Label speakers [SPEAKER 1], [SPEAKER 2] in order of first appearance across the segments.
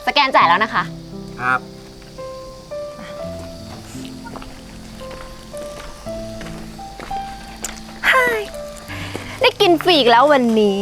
[SPEAKER 1] สแกนจ่ายแล้วนะคะ
[SPEAKER 2] ครับ
[SPEAKER 1] ได้กินฟรีอีกแล้ววันนี้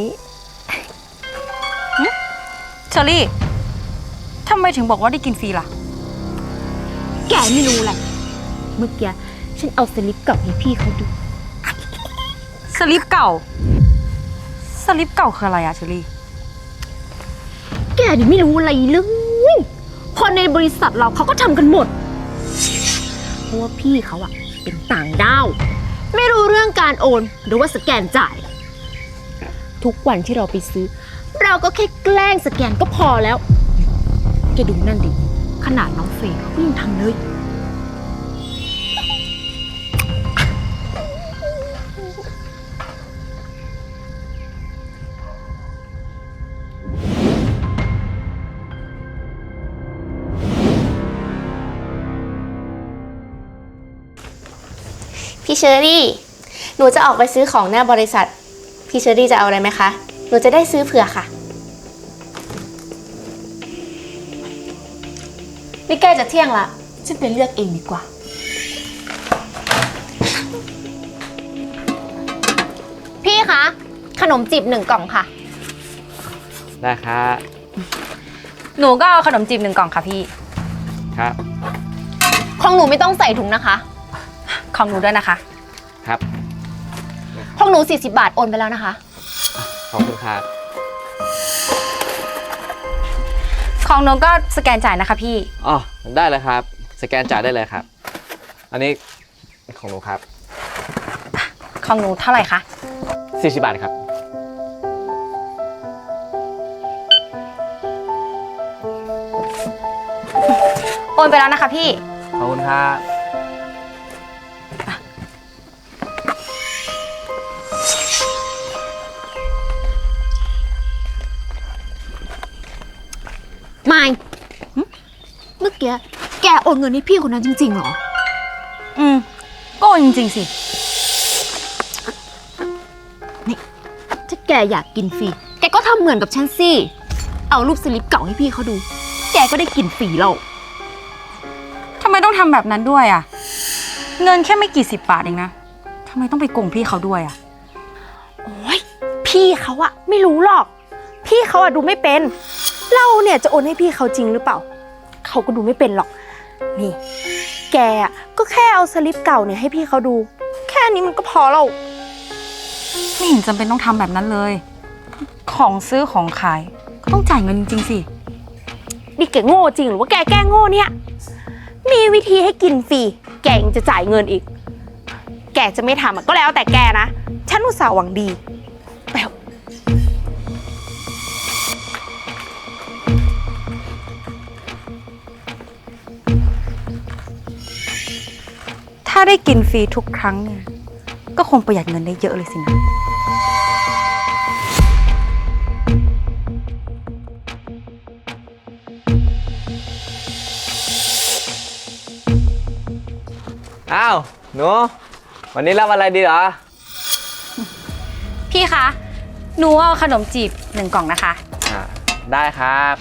[SPEAKER 3] เชอรี่ทำไมถึงบอกว่าได้กินฟรีล่ะ
[SPEAKER 1] แกไม่รู้แหละเมื่อกี้ฉันเอาสลิปเก่าให้พี่เขาดู
[SPEAKER 3] สลิปเก่าสลิปเก่าคืออะไรอะเชอรี่
[SPEAKER 1] แกนี่ไม่รู้อะไรเลยคนในบริษัทเราเขาก็ทำกันหมดเพราะว่าพี่เขาอะเป็นต่างด้าวไม่รู้เรื่องการโอนหรือว่าสแกนจ่ายทุกวันที่เราไปซื้อเราก็แค่แกล้งสแกนก็พอแล้วแกดูนั่นดิขนาดน้องเฟย์เขาก็ยังทำเลย
[SPEAKER 4] พี่เชอรี่ หนูจะออกไปซื้อของหน้าบริษัท พี่เชอรี่จะเอาอะไรไหมคะ หนูจะได้ซื้อเผื่อค่ะ นี่ใกล้จะเที่ยงละฉันไปเลือกเองดีกว่า
[SPEAKER 1] พี่คะขนมจีบ1 กล่องค่ะ
[SPEAKER 2] ได้ครับ
[SPEAKER 3] หนูก็เอาขนมจีบ1 กล่องค่ะพี่
[SPEAKER 2] ครับ
[SPEAKER 1] ของหนูไม่ต้องใส่ถุงนะคะ
[SPEAKER 3] ของหนูด้วยนะคะ
[SPEAKER 2] ครับ
[SPEAKER 1] ของหนู40 บาทโอนไปแล้วนะคะ
[SPEAKER 2] ขอบคุณครับ
[SPEAKER 3] ของหนูก็สแกนจ่ายนะคะพี่
[SPEAKER 2] อ๋อได้เลยครับสแกนจ่ายได้เลยครับอันนี้ของหนูครับ
[SPEAKER 3] ของหนูเท่าไหร่คะ
[SPEAKER 2] 40 บาทครับ
[SPEAKER 3] โอนไปแล้วนะคะพี่
[SPEAKER 2] ขอบคุณครับ
[SPEAKER 1] ไม่เมื่อกี้แกโอนเงินให้พี่คนนั้นจริงๆเหรอ
[SPEAKER 3] ก็โอนจริงๆสิ
[SPEAKER 1] นี่ถ้าแกอยากกินฟรีแกก็ทำเหมือนกับฉันสิเอารูปสลิปเก่าให้พี่เขาดูแกก็ได้กินฟรีแล้ว
[SPEAKER 3] ทำไมต้องทำแบบนั้นด้วยอะเงินแค่ไม่กี่10 บาทเองนะทำไมต้องไปโกงพี่เขาด้วยอะ
[SPEAKER 1] โอ้ยพี่เขาอะไม่รู้หรอกพี่เขาอะดูไม่เป็นเราเนี่ยจะโอนให้พี่เขาจริงหรือเปล่าเขาก็ดูไม่เป็นหรอกนี่แกอะก็แค่เอาสลิปเก่าเนี่ยให้พี่เขาดูแค่นี้มันก็พอแล้ว
[SPEAKER 3] ไม่เห็นจำเป็นต้องทำแบบนั้นเลยของซื้อของขายก็ต้องจ่ายเงินจริงๆสิ
[SPEAKER 1] นี่แกโง่จริงหรือว่าแกแกล้งโง่เนี่ยมีวิธีให้กินฟรีแกยังจะจ่ายเงินอีกแกจะไม่ทำก็แล้วแต่แกนะฉันอุตส่าห์หวังดีแปลว
[SPEAKER 3] ถ้าได้กินฟรีทุกครั้งเนี่ยก็คงประหยัดเงินได้เยอะเลยสินะ
[SPEAKER 2] อ้าวหนูวันนี้รับอะไรดีเหรอ
[SPEAKER 3] พี่คะหนูเอาขนมจีบ1 กล่องนะคะ
[SPEAKER 2] ได้ครับ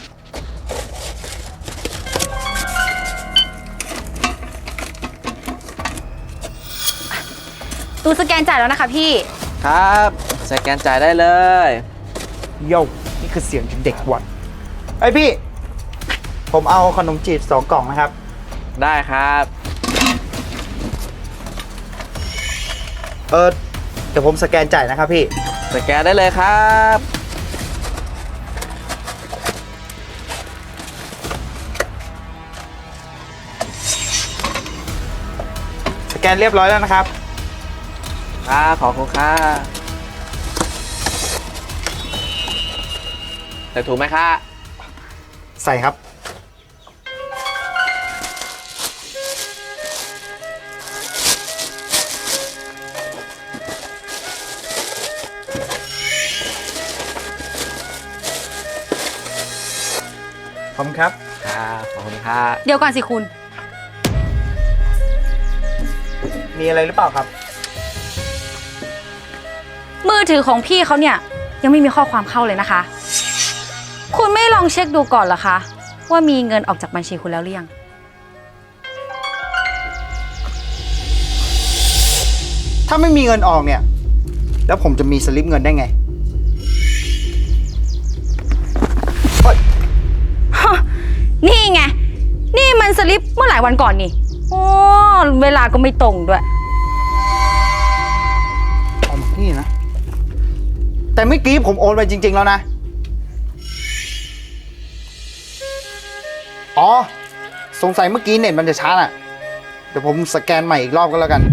[SPEAKER 3] หนูสแกนจ่ายแล้วนะคะพี่
[SPEAKER 2] ครับสแกนจ่ายได้เลย
[SPEAKER 5] โย่นี่คือเสียงเด็กวัดไอพี่ผมเอาขนมจีบ2 กล่องนะครับ
[SPEAKER 2] ได้ครับ
[SPEAKER 5] เดี๋ยวผมสแกนจ่ายนะครับพี่
[SPEAKER 2] สแกนได้เลยครับ
[SPEAKER 5] สแกนเรียบร้อยแล้วนะครับ
[SPEAKER 2] ขอบคุณครับใส่ถูกไหมคะ
[SPEAKER 5] ใส่ครับขอบคุณครับ
[SPEAKER 2] ขอบคุณครับ
[SPEAKER 3] เดี๋ยวก่อนสิคุณ
[SPEAKER 5] มีอะไรหรือเปล่าครับ
[SPEAKER 3] มือถือของพี่เขาเนี่ยยังไม่มีข้อความเข้าเลยนะคะคุณไม่ลองเช็คดูก่อนเหรอคะว่ามีเงินออกจากบัญชีคุณแล้วหรือยัง
[SPEAKER 5] ถ้าไม่มีเงินออกเนี่ย แล้วผมจะมีสลิปเงินได้ไงเฮ้ย
[SPEAKER 3] นี่ไง นี่มันสลิปเมื่อหลายวันก่อนนี่โอ้เวลาก็ไม่ตรงด้วย
[SPEAKER 5] เอามานี่นะ แต่เมื่อกี้ผมโอนไปจริง ๆ แล้วนะ อ๋อ สงสัยเมื่อกี้เน็ตมันจะช้าน่ะ เดี๋ยวผมสแกนใหม่อีกรอบก็แล้วกัน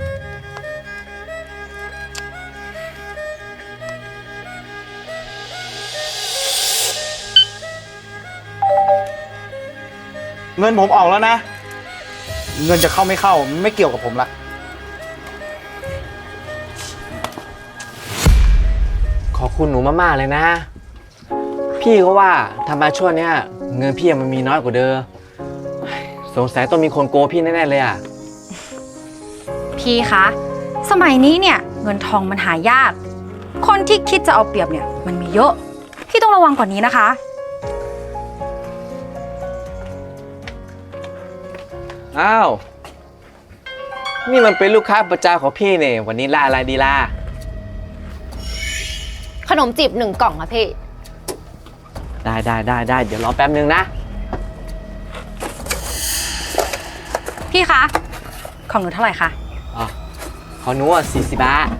[SPEAKER 5] เงินผมออกแล้วนะ เงินจะเข้าไม่เข้ามันไม่เกี่ยวกับผมละ
[SPEAKER 2] ขอบคุณหนูมากๆเลยนะ พี่ก็ว่าทำไมช่วงเนี้ยเงินพี่มันมีน้อยกว่าเดิมสงสัยต้องมีคนโกงพี่แน่ๆเลยอ่ะ
[SPEAKER 3] พี่คะ สมัยนี้เนี่ยเงินทองมันหายาก คนที่คิดจะเอาเปรียบเนี่ยมันมีเยอะ พี่ต้องระวังกว่านี้นะคะ
[SPEAKER 2] อ้าว นี่มันเป็นลูกค้าประจำของพี่เนี่ยวันนี้ล่าอะไรดีล่ะ
[SPEAKER 1] ขนมจีบ1 กล่องค่ะพี่
[SPEAKER 2] ได้เดี๋ยวรอแป๊บนึงนะ
[SPEAKER 3] พี่คะ ของหนูเท่าไหร่คะ
[SPEAKER 2] อ๋อขอหนูอ่ะ40 บาท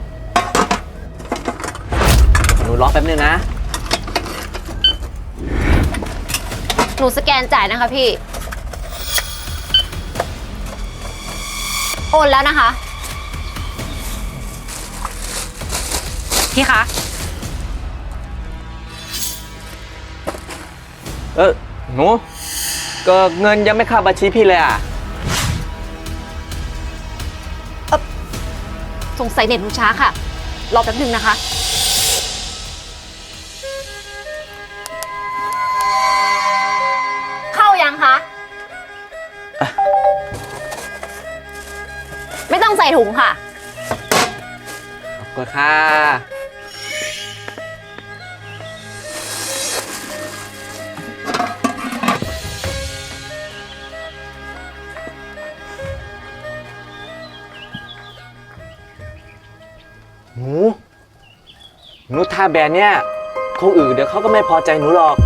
[SPEAKER 2] หนูรอแป๊บนึงนะ
[SPEAKER 1] หนูสแกนจ่ายนะคะพี่ โอนแล้วนะคะ
[SPEAKER 3] พี่คะ
[SPEAKER 2] หนูก็เงินยังไม่เข้าบัญชีพี่เลยอ่ะ
[SPEAKER 1] สงสัยเน็ตหนูช้าค่ะ รอแป๊บนึงนะคะ เข้ายังคะ ไม่ต้องใส่ถุงค่ะ
[SPEAKER 2] ขอบคุณค่ะ หนูทาแบรนด์เนี่ยคงอื่นเดี๋ยวเขาก็ไม่พอใจหนูหรอก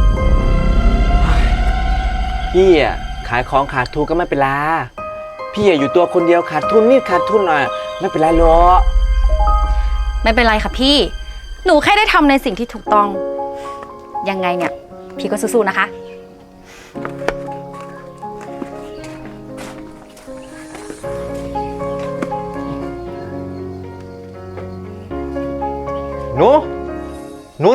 [SPEAKER 2] พี่อ่ะขายของขาดทุนก็ไม่เป็นไร พี่อ่ะอยู่ตัวคนเดียวขาดทุนนิดขาดทุนหน่อยไม่เป็นไรหรอก
[SPEAKER 3] ไม่เป็นไรค่ะพี่ หนูแค่ได้ทำในสิ่งที่ถูกต้อง ยังไงเนี่ย พี่ก็สู้ๆนะคะ
[SPEAKER 2] หนูหนู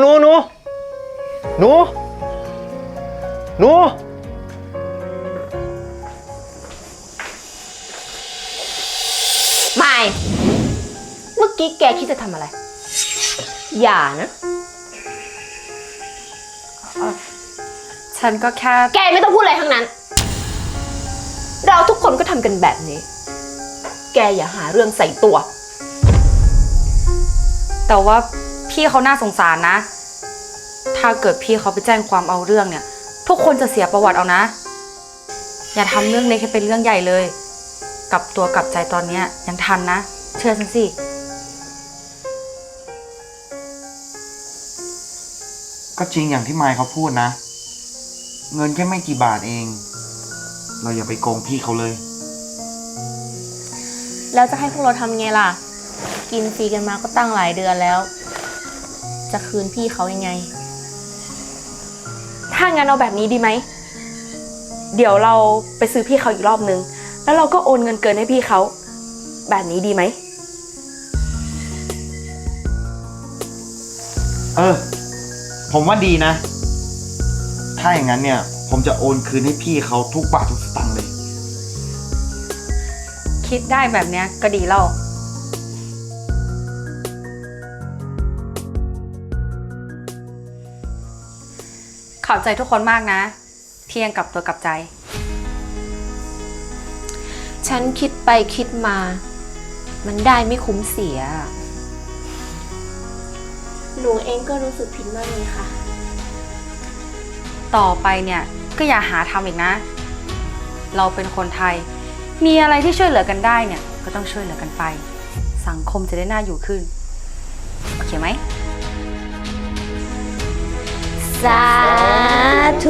[SPEAKER 1] ไม่ เมื่อกี้แกคิดจะทำอะไร อย่านะ
[SPEAKER 3] ฉันก็แค่
[SPEAKER 1] แกไม่ต้องพูดอะไรทั้งนั้น เราทุกคนก็ทำกันแบบนี้ แกอย่าหาเรื่องใส่ตัว
[SPEAKER 3] แต่ว่าพี่เขาน่าสงสารนะ ถ้าเกิดพี่เขาไปแจ้งความเอาเรื่องเนี่ย ทุกคนจะเสียประวัติเอานะ อย่าทำเรื่องเล็กให้เป็นเรื่องใหญ่เลย กลับตัวกลับใจตอนเนี้ยยังทันนะ เชื่อฉันสิ
[SPEAKER 5] ก็จริงอย่างที่มายเขาพูดนะ เงินแค่ไม่กี่บาทเอง เราอย่าไปโกงพี่เขาเลย
[SPEAKER 4] แล้วจะให้พวกเราทำไงล่ะ กินฟรีกันมาก็ตั้งหลายเดือนแล้ว จะคืนพี่เขายังไง
[SPEAKER 6] ถ้างั้นเอาแบบนี้ดีไหม เดี๋ยวเราไปซื้อพี่เขาอีกรอบนึง แล้วเราก็โอนเงินเกินให้พี่เขา แบบนี้ดีไหม
[SPEAKER 5] ผมว่าดีนะ ถ้าอย่างนั้นเนี่ย ผมจะโอนคืนให้พี่เขาทุกบาททุกสตางค์เลย
[SPEAKER 3] คิดได้แบบเนี้ยก็ดีแล้ว ขอบใจทุกคนมากนะที่ยังกลับตัวกลับใจ
[SPEAKER 1] ฉันคิดไปคิดมา มันได้ไม่คุ้มเสีย
[SPEAKER 4] หนูเองก็รู้สึกผิดมากเลยค่ะ
[SPEAKER 3] ต่อไปเนี่ยก็อย่าหาทำอีกนะ เราเป็นคนไทย มีอะไรที่ช่วยเหลือกันได้เนี่ยก็ต้องช่วยเหลือกันไป สังคมจะได้น่าอยู่ขึ้น โอเคไหม
[SPEAKER 1] สาธุ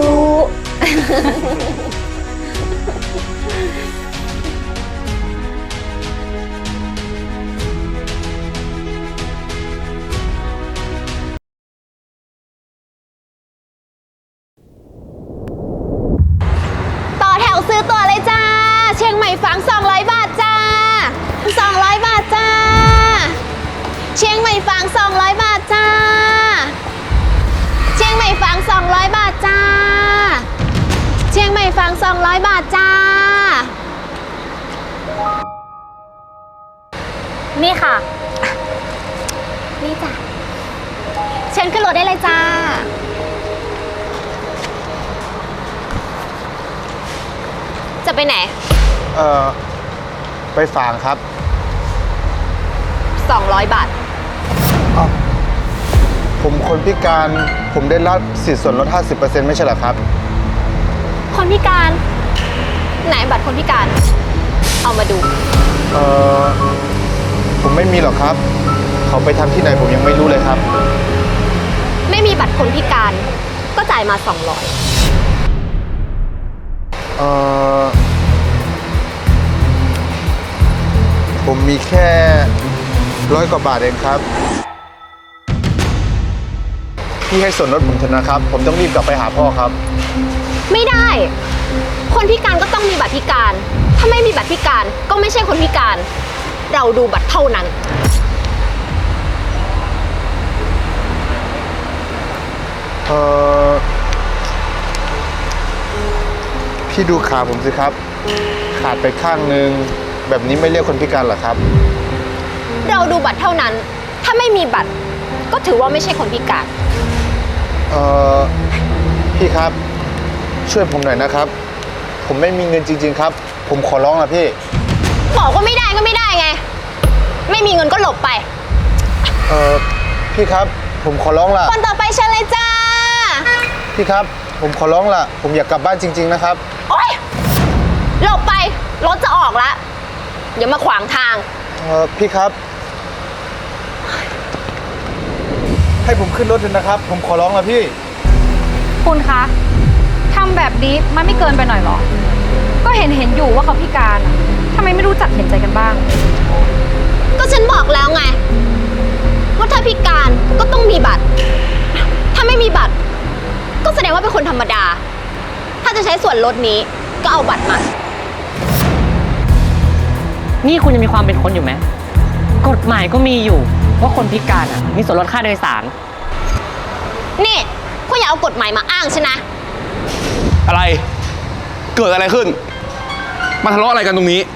[SPEAKER 1] ต่อแถวซื้อตัวเลยจ้า เชียงใหม่ฝัง200 บาทจ้า200 บาทจ้า เชียงใหม่ฝัง200 บาทจ้า เชียงใหม่ฝัง200 บาทจ้า เชียงใหม่ฝัง200 บาทจ้า นี่ค่ะ นี่จ้ะเชิญขึ้นรถได้เลยจ้า จะไปไหน
[SPEAKER 5] ไปฝางครับ
[SPEAKER 1] 200 บาท
[SPEAKER 5] ผมคนพิการ ผมได้รับสิทธิ์ส่วนลด 50% ไม่ใช่เหรอครับ
[SPEAKER 1] คนพิการ ไหนบัตรคนพิการ เอามาดู
[SPEAKER 5] ผมไม่มีหรอกครับ เขาไปทำที่ไหนผมยังไม่รู้เลยครับ
[SPEAKER 1] ไม่มีบัตรคนพิการ ก็จ่ายมา 200
[SPEAKER 5] ผมมีแค่ 100 กว่าบาทเองครับ พี่ให้ส่วนลดผมเถอะนะครับ ผมต้องรีบกลับไปหาพ่อครับ
[SPEAKER 1] ไม่ได้ คนพิการก็ต้องมีบัตรพิการ ถ้าไม่มีบัตรพิการก็ไม่ใช่คนพิการ เราดูบัตรเท่านั้น
[SPEAKER 5] พี่ดูขาผมสิครับ ขาดไปข้างนึง แบบนี้ไม่เรียกคนพิการเหรอครับ
[SPEAKER 1] เราดูบัตรเท่านั้น ถ้าไม่มีบัตร ก็ถือว่าไม่ใช่คนพิการ
[SPEAKER 5] พี่ครับ ช่วยผมหน่อยนะครับ ผมไม่มีเงินจริงๆครับ ผมขอร้องนะพี่
[SPEAKER 1] บอกว่าไม่ได้ก็ไม่ได้ไง ไม่มีเงินก็หลบไป
[SPEAKER 5] พี่ครับ ผมขอร้องล่ะ
[SPEAKER 1] คนต่อไปเชิญเลยจ้า
[SPEAKER 5] พี่ครับ ผมขอร้องล่ะ ผมอยากกลับบ้านจริงๆนะครับ
[SPEAKER 1] โอ๊ย หลบไป รถจะออกละอย่ามาขวางทาง
[SPEAKER 5] พี่ครับ ให้ผมขึ้นรถเถอะนะครับ ผมขอร้องละพี่
[SPEAKER 3] คุณคะทำแบบนี้มันไม่เกินไปหน่อยหรอ ก็เห็นอยู่ว่าเขาพิการอะทำไมไม่รู้จักเห็นใจกันบ้าง
[SPEAKER 1] ก็ฉันบอกแล้วไง ว่าถ้าพิการก็ต้องมีบัตร ถ้าไม่มีบัตร ก็แสดงว่าเป็นคนธรรมดา ถ้าจะใช้ส่วนลดนี้ก็เอาบัตรมา
[SPEAKER 7] นี่คุณยังมีความเป็นคนอยู่ไหม กฎหมายก็มีอยู่ว่าคนพิการมีส่วนลดค่าโดยสาร
[SPEAKER 1] นี่คุณอย่าเอากฎหมายมาอ้างฉันนะ
[SPEAKER 8] อะไร เกิดอะไรขึ้น มาทะเลาะอะไรกันตรงนี้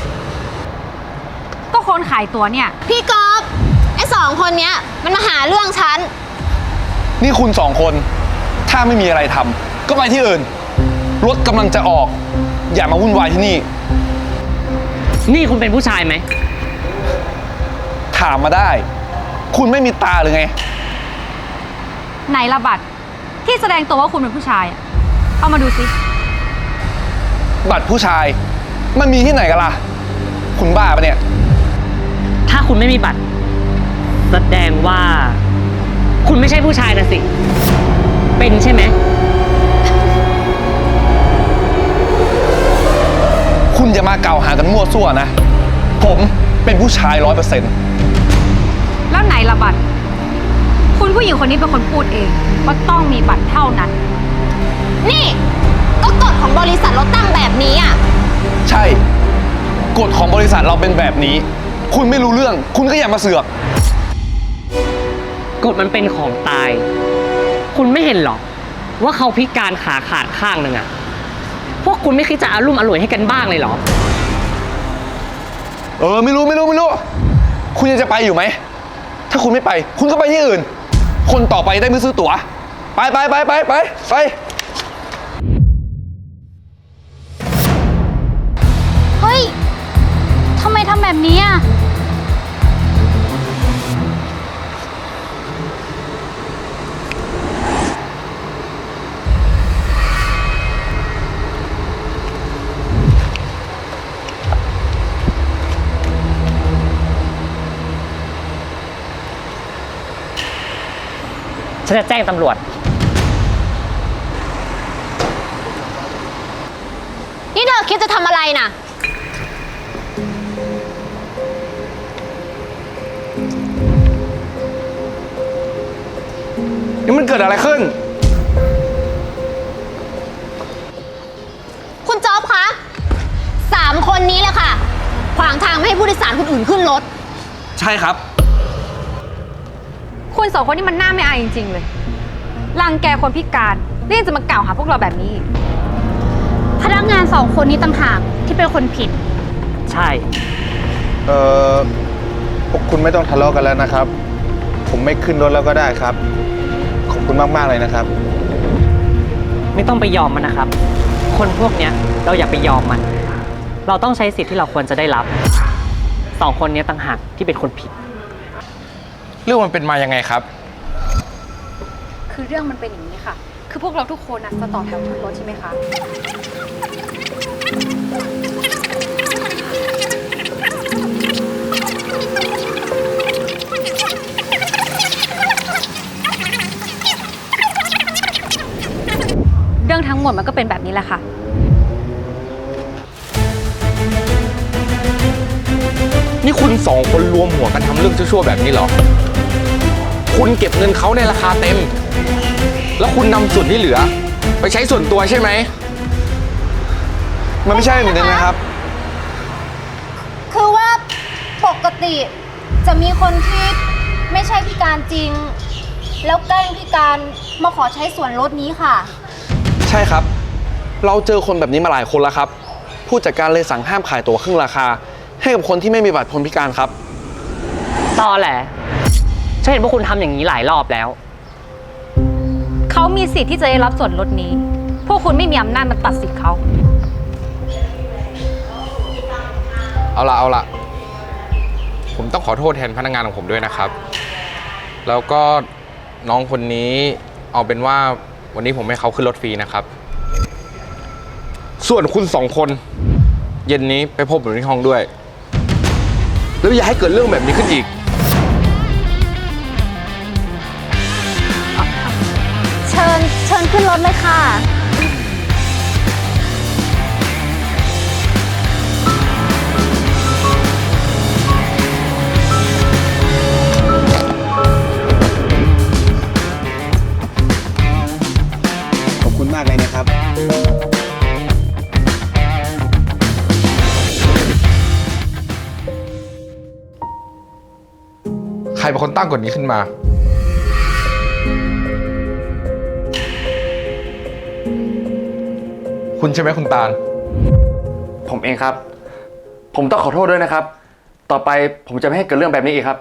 [SPEAKER 3] ก็คนขายตัวเนี่ย
[SPEAKER 1] พี่กอล์ฟไอ้2 คนเนี้ยมันมาหาเรื่องฉัน
[SPEAKER 8] นี่คุณสองคน ถ้าไม่มีอะไรทำก็ไปที่อื่น รถกำลังจะออก อย่ามาวุ่นวายที่นี่
[SPEAKER 7] นี่คุณเป็นผู้ชายไหม
[SPEAKER 8] ถามมาได้ คุณไม่มีตาหรือไง
[SPEAKER 3] ไหนละบัตรที่แสดงตัวว่าคุณเป็นผู้ชายอะเอามาดูสิ
[SPEAKER 8] บัตรผู้ชาย มันมีที่ไหนกันล่ะ คุณบ้าปะเนี่ย
[SPEAKER 7] ถ้าคุณไม่มีบัตร แสดงว่า คุณไม่ใช่ผู้ชายนะสิ เป็นใช่ไหม
[SPEAKER 8] คุณอย่ามากล่าวหากันมั่วซั่วนะ ผมเป็นผู้ชาย100%
[SPEAKER 3] แล้วไหนละบัตรคุณผู้หญิงคนนี้เป็นคนพูดเองว่าต้องมีบัตรเท่านั้น
[SPEAKER 1] นี่ก็กฎของบริษัทเราตั้งแบบนี้อ่ะ
[SPEAKER 8] ใช่ กฎของบริษัทเราเป็นแบบนี้ คุณไม่รู้เรื่อง คุณก็อย่ามาเสือก
[SPEAKER 7] กฎมันเป็นของตาย คุณไม่เห็นหรอ ว่าเขาพิการขาขาดข้างหนึ่งอะพวกคุณไม่คิดจะอารุ่มอร่วยให้กันบ้างเลยเหรอ
[SPEAKER 8] ไม่รู้ คุณยังจะไปอยู่ไหม ถ้าคุณไม่ไป คุณก็ไปที่อื่น คนต่อไปได้ไม่ซื้อตั๋ว ไป
[SPEAKER 3] เฮ้ยทำไมทำแบบนี้อ่ะ
[SPEAKER 7] ฉันจะแจ้งตำรวจ
[SPEAKER 1] นี่เธอคิดจะทำอะไรน่ะ
[SPEAKER 8] นี่มันเกิดอะไรขึ้น
[SPEAKER 1] คุณจ๊อบคะ3 คนนี้แหละค่ะ ขวางทางไม่ให้ผู้โดยสารคนอื่นขึ้นรถ
[SPEAKER 8] ใช่ครับ
[SPEAKER 3] คุณสองคนนี่มันน่าไม่อายจริงๆเลย รังแกคนพิการแล้วยังจะมากล่าวหาพวกเราแบบนี้อีก
[SPEAKER 1] พนักงาน2 คนนี้ต่างหากที่เป็นคนผิด
[SPEAKER 7] ใช่
[SPEAKER 5] พวกคุณไม่ต้องทะเลาะกันแล้วนะครับ ผมไม่ขึ้นรถแล้วก็ได้ครับ ขอบคุณมากๆเลยนะครับ
[SPEAKER 7] ไม่ต้องไปยอมมันนะครับ คนพวกเนี้ยเราอย่าไปยอมมัน เราต้องใช้สิทธิ์ที่เราควรจะได้รับ 2 คนเนี้ยต่างหากที่เป็นคนผิด
[SPEAKER 8] เรื่องมันเป็นมายังไงครับ
[SPEAKER 3] คือเรื่องมันเป็นอย่างนี้ค่ะ คือพวกเราทุกคนนะจะต่อแถวขึ้นรถใช่ไหมคะ เรื่องทั้งหมดมันก็เป็นแบบนี้แหละค่ะ
[SPEAKER 8] นี่คุณ2 คนรวมหัวกันทำเรื่องชั่วๆแบบนี้เหรอ คุณเก็บเงินเขาในราคาเต็ม แล้วคุณนำส่วนที่เหลือ ไปใช้ส่วนตัวใช่ไหม
[SPEAKER 5] มันไม่ใช่เหมือนกันนะครับ
[SPEAKER 1] คือว่าปกติจะมีคนที่ไม่ใช่พิการจริง แล้วแกล้งพิการมาขอใช้ส่วนลดนี้ค่ะ
[SPEAKER 8] ใช่ครับ เราเจอคนแบบนี้มาหลายคนแล้วครับ ผู้จัดการเลยสั่งห้ามขายตั๋วครึ่งราคา ให้กับคนที่ไม่มีบัตรคนพิการครับ
[SPEAKER 7] ตอแหละฉันเห็นพวกคุณทำอย่างนี้หลายรอบแล้ว
[SPEAKER 3] เขามีสิทธิ์ที่จะได้รับส่วนลดนี้ พวกคุณไม่มีอำนาจมาตัดสิทธิ์เขา
[SPEAKER 9] เอาละผมต้องขอโทษแทนพนักงานของผมด้วยนะครับ แล้วก็น้องคนนี้เอาเป็นว่าวันนี้ผมให้เขาขึ้นรถฟรีนะครับ ส่วนคุณ2 คนเย็นนี้ไปพบผมที่ห้องด้วย แล้วอย่าให้เกิดเรื่องแบบนี้ขึ้นอีก
[SPEAKER 1] เชิญขึ้นรถเลยค่ะ
[SPEAKER 5] ขอบคุณมากเลยนะครับ
[SPEAKER 9] ใครเป็นคนตั้งกฎนี้ขึ้นมา คุณใช่ไหมคุณตาล
[SPEAKER 2] ผมเองครับ ผมต้องขอโทษด้วยนะครับ ต่อไปผมจะไม่ให้เกิดเรื่องแบบนี้อีกครับ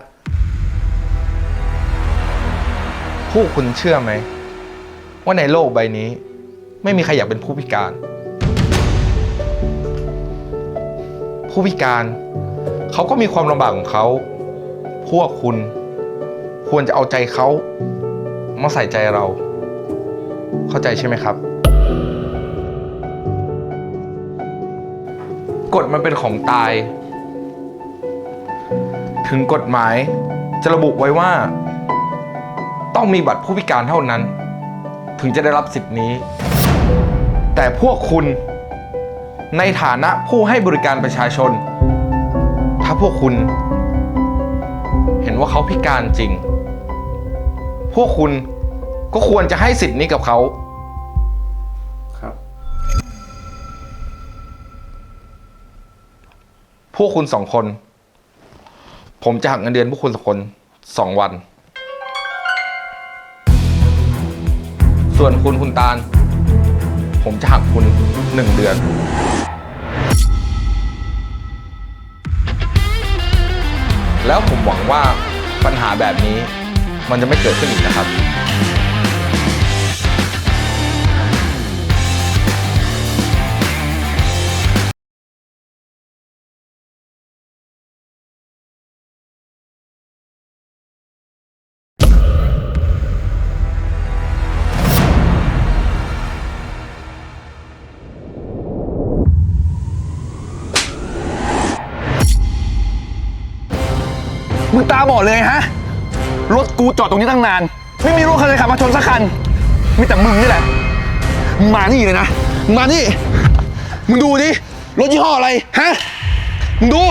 [SPEAKER 9] พวกคุณเชื่อไหม ว่าในโลกใบนี้ ไม่มีใครอยากเป็นผู้พิการ ผู้พิการเขาก็มีความลำบากของเขา พวกคุณควรจะเอาใจเขามาใส่ใจเรา เข้าใจใช่ไหมครับ กฎมันเป็นของตาย ถึงกฎหมายจะระบุไว้ว่า ต้องมีบัตรผู้พิการเท่านั้น ถึงจะได้รับสิทธินี้ แต่พวกคุณในฐานะผู้ให้บริการประชาชน ถ้าพวกคุณเห็นว่าเขาพิการจริง พวกคุณก็ควรจะให้สิทธินี้กับเขา
[SPEAKER 5] ครับ
[SPEAKER 9] พวกคุณ2 คน ผมจะหักเงินเดือนพวกคุณ2 คน 2 วัน ส่วนคุณตาล ผมจะหักคุณ1 เดือน แล้วผมหวังว่าปัญหาแบบนี้มันจะไม่เกิดขึ้นอีกนะครับ
[SPEAKER 8] มึงตาบอดเลยฮะ รถกูจอดตรงนี้ตั้งนาน
[SPEAKER 5] ไม่มีรถคันไหนขับมาชนสักคัน มีแต่มึงนี่แหละ มึงมานี่เลยนะ มึงมานี่ มึงดูดิ รถยี่ห้ออะไร ฮะ มึงดู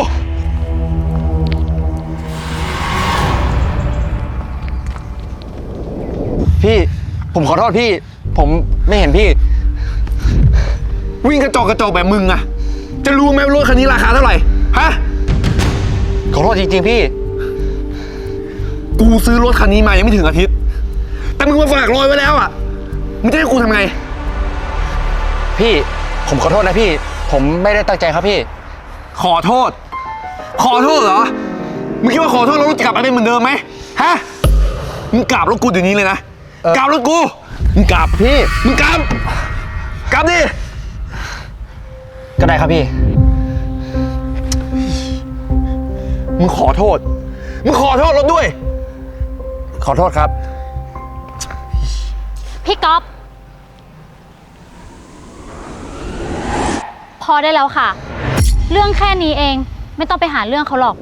[SPEAKER 2] พี่ ผมขอโทษพี่ ผมไม่เห็นพี่
[SPEAKER 5] วิ่งกระจอกแบบมึงอะจะรู้ไหมว่ารถคันนี้ราคาเท่าไหร่ ฮะ
[SPEAKER 2] ขอโทษจริงๆพี่
[SPEAKER 5] กูซื้อรถคันนี้มายังไม่ถึงอาทิตย์ แต่มึงมาฝากรอยไว้แล้วอะมึงจะให้กูทำไง
[SPEAKER 2] พี่ ผมขอโทษนะพี่ ผมไม่ได้ตั้งใจครับพี่
[SPEAKER 5] ขอโทษ ขอโทษเหรอ มึงคิดว่าขอโทษแล้วรถจะกลับมาเป็นเหมือนเดิมไหมฮะ มึงกราบรถกูเดี๋ยวนี้เลยนะ กราบรถกู มึงกราบพี่ มึงกราบดิ
[SPEAKER 2] ก็ได้ครับพี่
[SPEAKER 5] มึงขอโทษ มึงขอโทษรถด้วย
[SPEAKER 2] ขอโทษครับ
[SPEAKER 1] พี่ก๊อฟพอได้แล้วค่ะ เรื่องแค่นี้เองไม่ต้องไปหาเรื่องเขาหรอก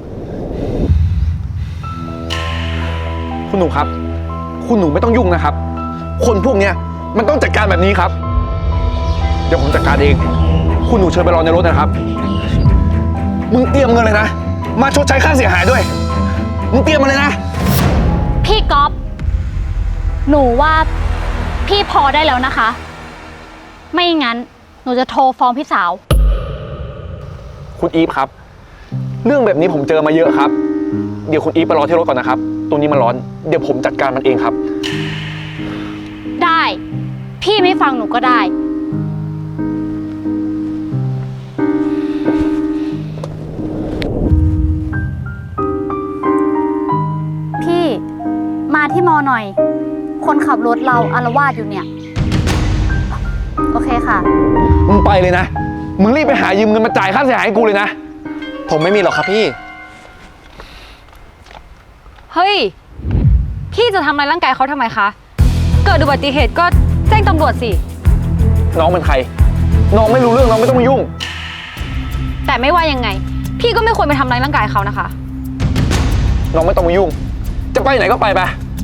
[SPEAKER 5] คุณหนูครับ คุณหนูไม่ต้องยุ่งนะครับ คนพวกเนี้ยมันต้องจัดการแบบนี้ครับ เดี๋ยวผมจัดการเอง คุณหนูเชิญไปรอในรถนะครับ มึงเตรียมเงินเลยนะ มาชดใช้ค่าเสียหายด้วย มึงเตรียมมาเลยนะ
[SPEAKER 1] พี่ก๊อฟหนูว่าพี่พอได้แล้วนะคะ ไม่งั้นหนูจะโทรฟ้องพี่สาว
[SPEAKER 5] คุณอีฟครับ เรื่องแบบนี้ผมเจอมาเยอะครับ เดี๋ยวคุณอีฟไปรอที่รถก่อนนะครับ ตรงนี้มันร้อน เดี๋ยวผมจัดการมันเองครับ
[SPEAKER 1] ได้ พี่ไม่ฟังหนูก็ได้ พี่มาที่มอหน่อย คนขับรถเราอาละวาดอยู่เนี่ย โอเคค่ะ
[SPEAKER 5] มึงไปเลยนะ มึงรีบไปหายืมเงินมาจ่ายค่าเสียหายให้กูเลยนะ
[SPEAKER 2] ผมไม่มีหรอกครับพี่
[SPEAKER 3] เฮ้ย พี่จะทำร้ายร่างกายเขาทำไมคะ เกิดอุบัติเหตุก็แจ้งตำรวจสิ
[SPEAKER 5] น้องเป็นใคร น้องไม่รู้เรื่องน้องไม่ต้องมายุ่ง
[SPEAKER 3] แต่ไม่ว่ายังไง พี่ก็ไม่ควรไปทำร้ายร่างกายเขานะคะ
[SPEAKER 5] น้องไม่ต้องมายุ่ง จะไปไหนก็ไปไป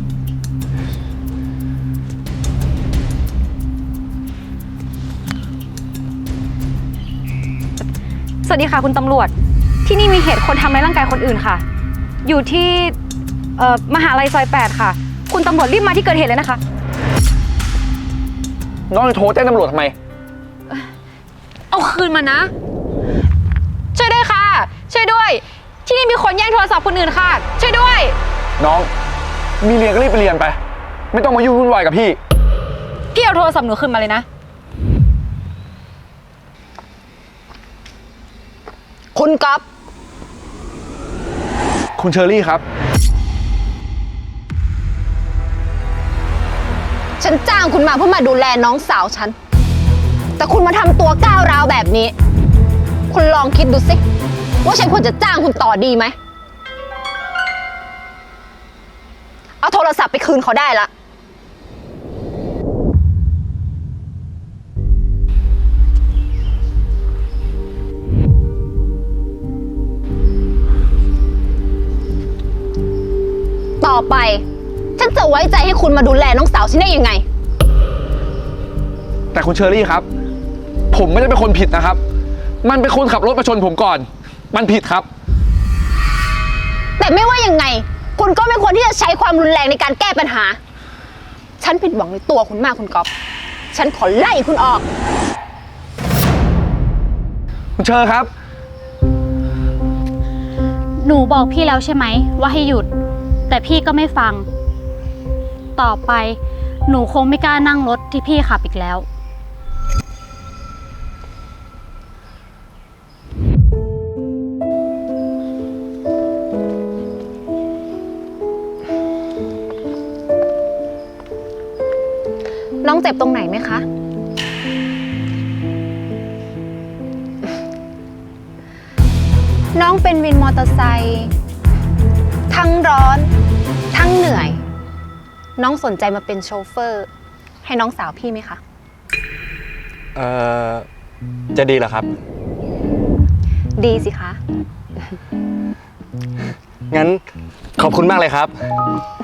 [SPEAKER 3] สวัสดีค่ะคุณตำรวจ ที่นี่มีเหตุคนทำร้ายร่างกายคนอื่นค่ะ อยู่ที่มหาลัยซอย 8 ค่ะ คุณตำรวจรีบมาที่เกิดเหตุเลยนะคะ
[SPEAKER 5] น้องจะโทรแจ้งตำรวจทำไม
[SPEAKER 3] เอาคืนมานะ ช่วยด้วยค่ะ ช่วยด้วย ที่นี่มีคนแย่งโทรศัพท์คนอื่นค่ะ ช่วยด้วย
[SPEAKER 5] น้อง มีเรียนก็รีบไปเรียนไป ไม่ต้องมายุ่งวุ่นวายกับพี่
[SPEAKER 3] พี่เอาโทรศัพท์หนูคืนมาเลยนะ
[SPEAKER 1] คุณก๊อฟ
[SPEAKER 5] คุณเชอรี่ครับ
[SPEAKER 1] ฉันจ้างคุณมาเพื่อมาดูแลน้องสาวฉัน แต่คุณมาทำตัวก้าวร้าวแบบนี้ คุณลองคิดดูสิว่าฉันควรจะจ้างคุณต่อดีไหม เอาโทรศัพท์ไปคืนเขาได้ละ ต่อไป ฉันจะไว้ใจให้คุณมาดูแลน้องสาวฉันได้ยังไง
[SPEAKER 5] แต่คุณเชอรี่ครับ ผมไม่ได้เป็นคนผิดนะครับ มันเป็นคนขับรถมาชนผมก่อน มันผิดครับ
[SPEAKER 1] แต่ไม่ว่ายังไง คุณก็ไม่ควรที่จะใช้ความรุนแรงในการแก้ปัญหา ฉันผิดหวังในตัวคุณมากคุณก๊อฟ ฉันขอไล่คุณออก
[SPEAKER 5] คุณเชอครับ
[SPEAKER 1] หนูบอกพี่แล้วใช่ไหมว่าให้หยุด แต่พี่ก็ไม่ฟัง ต่อไปหนูคงไม่กล้านั่งรถที่พี่ขับอีกแล้ว น้องเจ็บตรงไหนไหมคะ น้องเป็นวินมอเตอร์ไซค์ทั้งร้อน ทั้งเหนื่อย น้องสนใจมาเป็นโชเฟอร์ ให้น้องสาวพี่ไหมคะ
[SPEAKER 2] จะดีเหรอครับ
[SPEAKER 1] ดีสิคะ
[SPEAKER 2] งั้นขอบคุณมากเลยครับ